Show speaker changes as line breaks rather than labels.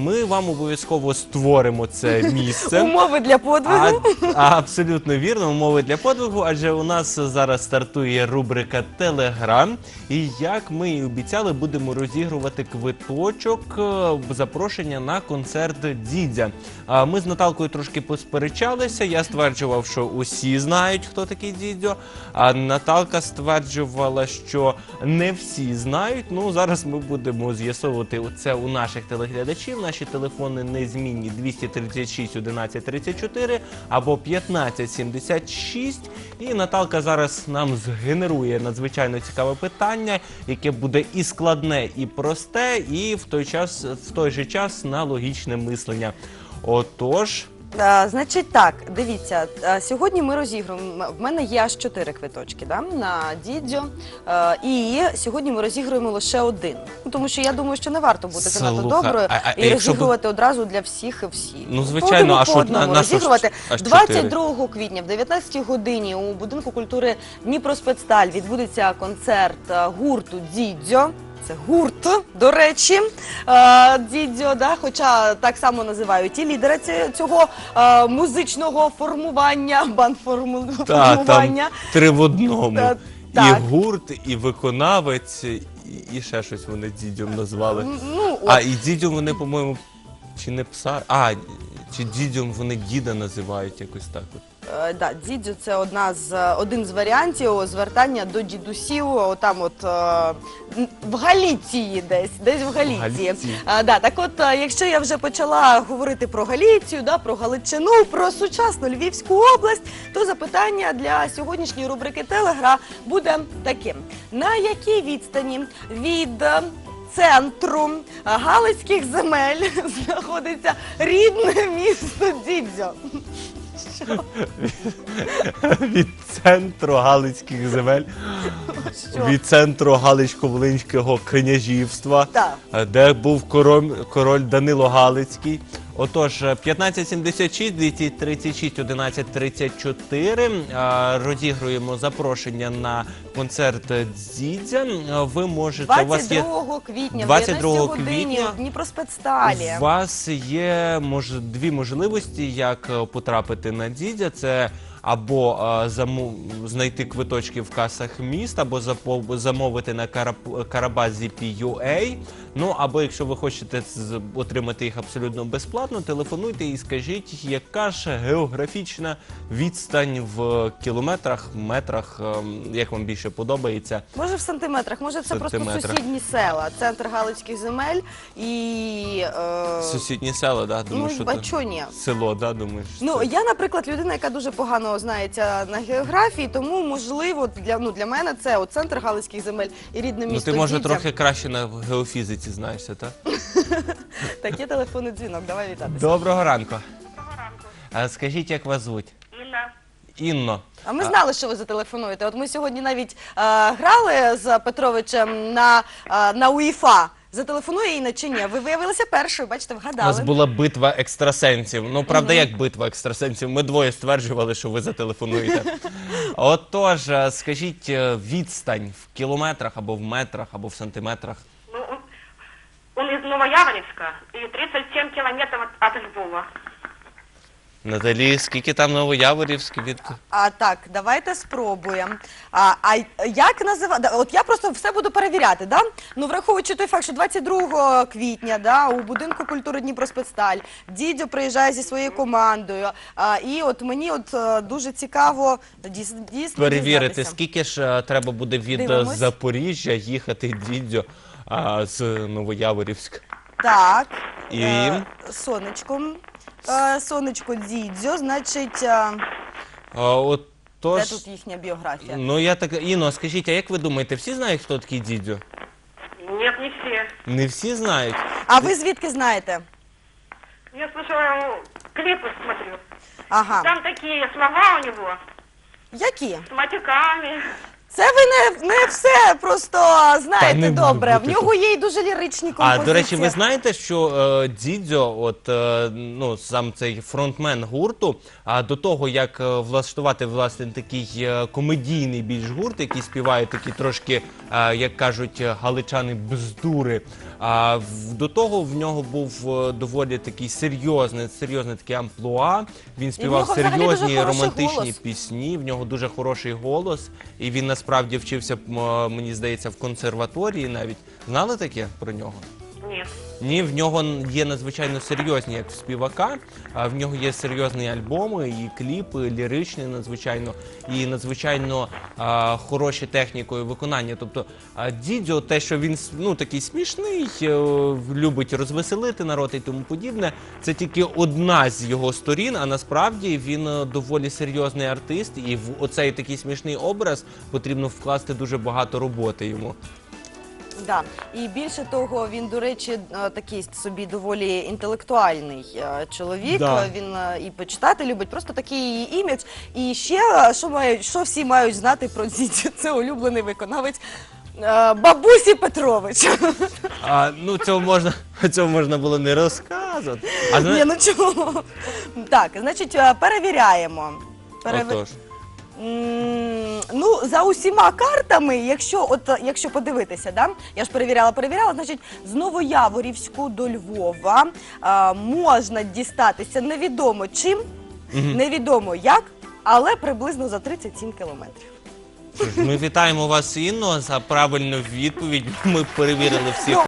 ми вам обов'язково створимо це місце.
Умови для подвигу.
Абсолютно вірно, умови для подвигу, адже у нас зараз стартує рубрика «Телеграм». І як ми і обіцяли, будемо розігрувати квиточок, запрошення на концерт Дідя. Ми з Наталкою трошки посперечалися, я стверджував, що усі знають, хто такий Дідьо, а Наталка стверджувала, що не всі знають. Ну, зараз ми будемо з'ясовувати це у наших телеглядачів. Наші телефони незмінні: 236 11 34 або 1576. І Наталка зараз нам згенерує надзвичайно цікаве питання, яке буде і складне, і просте, і в той же час на логічне мислення. Отож...
Значить так, дивіться, сьогодні ми розігруємо, в мене є аж 4 квиточки на Дідьо, і сьогодні ми розігруємо лише один. Тому що я думаю, що не варто бути занадто доброю і розігрувати одразу для всіх і всіх.
Ну, звичайно,
а що розігрувати 22 квітня в 19-й годині у Будинку культури Дніпроспецсталь відбудеться концерт гурту Дідьо. Це гурт, до речі, Дідьо, хоча так само називають і лідера цього музичного формування, бандформування.
Там 3 в одному. І гурт, і виконавець, і ще щось вони Дідьом назвали. І Дідьом вони, по-моєму, чи не пса, чи Дідьом вони діда називають якось так от.
Так, Дідьо – це один з варіантів звертання до дідусів, отам от в Галіції десь в Галіції. Так от, якщо я вже почала говорити про Галіцію, про Галичину, про сучасну Львівську область, то запитання для сьогоднішньої рубрики «Телегра» буде таким. На якій відстані від центру Галицьких земель знаходиться рідне місто Дідзьо?
Від центру Галицьких земель, від центру Галицько-Волинського княжівства, де був король Данило Галицький. Отож, 1576 236 11 34 розігруємо запрошення на концерт Дідзя. Ви можете...
22 квітня, в 19 годині в Дніпроспецсталі.
У вас є 2 можливості, як потрапити на Дідзя. Це або знайти квиточки в касах міст, або замовити на Карабазі.ua. Ну, або якщо ви хочете отримати їх абсолютно безплатно, телефонуйте і скажіть, яка ж географічна відстань в кілометрах, метрах, як вам більше подобається.
Може в сантиметрах, може це просто сусідні села, центр Галицьких земель і...
Сусідні села, так?
Ну, а чого ні?
Село, так, думаєш?
Ну, я, наприклад, людина, яка дуже погано знається на географії, тому, можливо, для мене це центр Галицьких земель і рідне місто Дідзя.
Ну, ти, може, трохи краще на геофізиці знаєшся, так?
Так, є телефонний дзвінок, давай вітатися.
Доброго ранку.
Доброго ранку.
Скажіть, як вас звуть?
Інна.
Інно.
А ми знали, що ви зателефонуєте. От ми сьогодні навіть грали з Петровичем на УЄФА. Зателефонує Інна чи ні? Ви виявилися першою, бачите, вгадали.
У нас була битва екстрасенсів. Ну, правда, як битва екстрасенсів? Ми двоє стверджували, що ви зателефонуєте. Отож, скажіть, відстань в кілометрах, або в метрах, або в сантиметрах?
Ну, он из Новояворівська і 37 кілометрів від Львова.
Наталі, скільки там Новояворівськ від...
Так, давайте спробуємо. Як називати? От я просто все буду перевіряти, да? Ну, враховуючи той факт, що 22 квітня, у Будинку культури Дніпроспецсталь Дідьо приїжджає зі своєю командою. І от мені дуже цікаво дійсно
перевірити, скільки ж треба буде від Запоріжжя їхати Дідьо з Новояворівська.
Так,
і...
Сонечко Дідзьо, значить, де тут їхня біографія?
Ну, я так, Інно, скажіть, а як ви думаєте, всі знають, хто такий Дідзьо?
Ні, не всі.
Не всі знають?
А ви звідки знаєте?
Я слушаю, клипы смотрю.
Ага.
Там такі слова у нього.
Які?
З матюками.
Це ви не все просто
Та
знаєте
не
добре.
може
В
бути
нього є й дуже ліричні композиції.
А, до речі, ви знаєте, що Дідзьо, ну, сам цей фронтмен гурту, до того, як влаштувати, власне, такий комедійний більш гурт, який співає такі трошки, як кажуть галичани, бздури, до того в нього був доволі такий серйозний таке амплуа. Він співав
нього взагалі дуже
серйозні
хороший
романтичні
голос.
пісні, в нього дуже хороший голос, і він насправді вчився, мені здається, в консерваторії навіть. Знали таке про нього?
Нет.
Ні, в нього є надзвичайно серйозні, як в співака, в нього є серйозні альбоми, і кліпи, ліричні надзвичайно, і надзвичайно хороші технікою виконання. Тобто Дідзьо, те, що він ну, такий смішний, любить розвеселити народ і тому подібне, це тільки одна з його сторін, а насправді він доволі серйозний артист, і в оцей такий смішний образ потрібно вкласти дуже багато роботи йому.
Да. І більше того, він, до речі, такий собі доволі інтелектуальний чоловік.
Да.
Він і почитати любить, просто такий імідж. І ще, що всі мають знати про Дідзю, це улюблений виконавець Бабусі Петрович.
Ну, цього можна було не розказувати.
Ні, ну чого? Так, значить, перевіряємо.
Отож.
Ну, за усіма картами, якщо подивитися, да? Я ж перевіряла, значить, з Новояворівську до Львова можна дістатися невідомо чим, невідомо як, але приблизно за 37 кілометрів.
Ми вітаємо вас, Інно, за правильну відповідь. Ми перевірили всіх